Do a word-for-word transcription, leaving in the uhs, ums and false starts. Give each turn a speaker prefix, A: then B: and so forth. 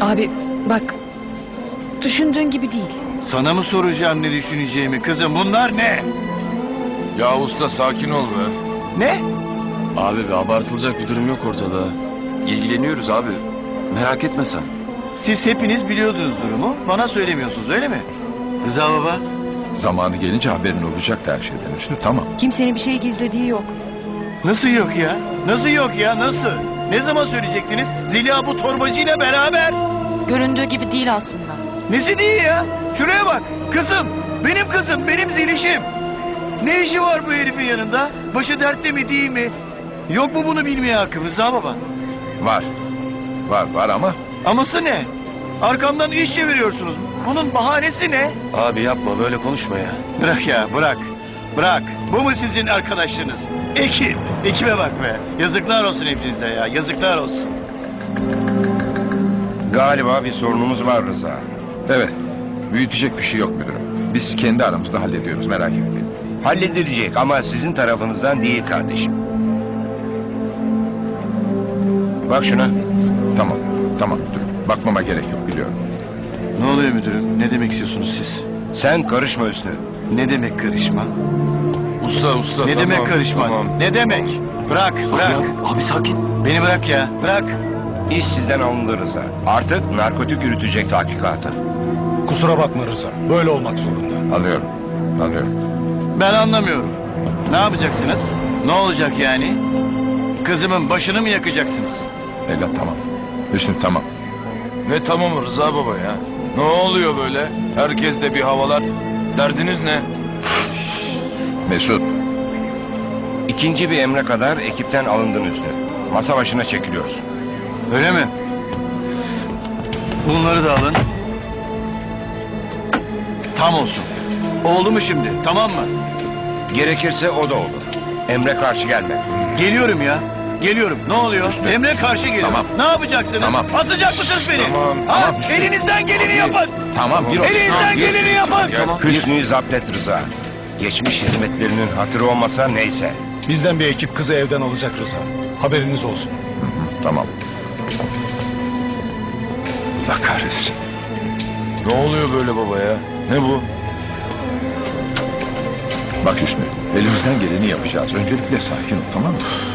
A: Abi bak, düşündüğün gibi değil.
B: Sana mı soracağım ne düşüneceğimi kızım, bunlar ne?
C: Ya usta sakin ol be.
B: Ne?
C: Abi be abartılacak bir durum yok ortada. İlgileniyoruz abi. Merak etme sen.
B: Siz hepiniz biliyordunuz durumu, bana söylemiyorsunuz öyle mi? Rıza baba?
D: Zamanı gelince haberin olacak her şeyden Hüsnü, tamam.
A: Kimsenin bir şey gizlediği yok.
B: Nasıl yok ya? Nasıl yok ya, nasıl? Ne zaman söyleyecektiniz? Zeliha bu torbacıyla beraber.
A: Göründüğü gibi değil aslında.
B: Nesi değil ya? Şuraya bak, kızım, benim kızım, benim Zeliş'im. Ne işi var bu herifin yanında? Başı dertte mi değil mi? Yok mu bunu bilmeye hakkım Rıza baba?
D: Var. Var var ama
B: Aması ne? Arkamdan iş çeviriyorsunuz. Bunun bahanesi ne?
E: Abi yapma böyle konuşma ya.
B: Bırak ya, bırak. Bırak. Bu mu sizin arkadaşlarınız? Ekip. Ekibe bak be. Yazıklar olsun hepinize ya. Yazıklar olsun.
E: Galiba bir sorunumuz var Rıza.
D: evet, büyütecek bir şey yok müdürüm. Biz kendi aramızda hallediyoruz, merak etmeyin.
E: Halledilecek ama sizin tarafınızdan değil kardeşim. Bak şuna.
D: Tamam, tamam müdürüm. Bakmama gerek yok, biliyorum.
B: Ne oluyor müdürüm? Ne demek istiyorsunuz siz?
E: Sen karışma Hüsnü.
B: Ne demek karışma?
C: Usta usta
B: Ne
C: tamam,
B: demek karışma?
C: Tamam.
B: Ne demek? Bırak, bırak.
C: abi sakin.
B: Beni bırak ya, bırak.
E: İş sizden alındı Rıza. Artık narkotik yürütecek tahkikatı.
F: Kusura bakma Rıza. Böyle olmak zorunda.
D: Anlıyorum, anlıyorum.
B: Ben anlamıyorum. Ne yapacaksınız? Ne olacak yani? Kızımın başını mı yakacaksınız?
D: Evlat tamam. Hüsnü tamam.
C: Ne tamam Rıza baba ya? Ne oluyor böyle? Herkes de bir havalar. Derdiniz ne?
D: Mesut,
E: İkinci bir emre kadar ekipten alındın Hüsnü. Masa başına çekiliyoruz.
B: Öyle mi? Bunları da alın. Tam olsun. Oldu mu şimdi? Tamam mı?
E: Gerekirse o da olur. Emre karşı gelme.
B: Geliyorum ya. Geliyorum. Ne oluyor? Emre karşı geliyor.
D: Tamam.
B: Ne yapacaksınız?
D: Tamam.
B: Asacak mısınız beni?
C: Tamam,
B: Ha?
D: tamam.
B: Elinizden geleni yapın.
D: tamam bir olsun.
B: Elinizden
D: Bir-
B: geleni yapın.
C: Tamam.
E: Hüsnü'yü zapt et Rıza. Geçmiş hizmetlerinin hatırı olmasa neyse.
F: Bizden bir ekip kızı evden alacak Rıza. Haberiniz olsun.
D: Tamam. Allah kahretsin.
C: Ne oluyor böyle baba ya? Ne bu?
D: Bak Hüsnü, elimizden geleni yapacağız. Öncelikle sakin ol, tamam mı?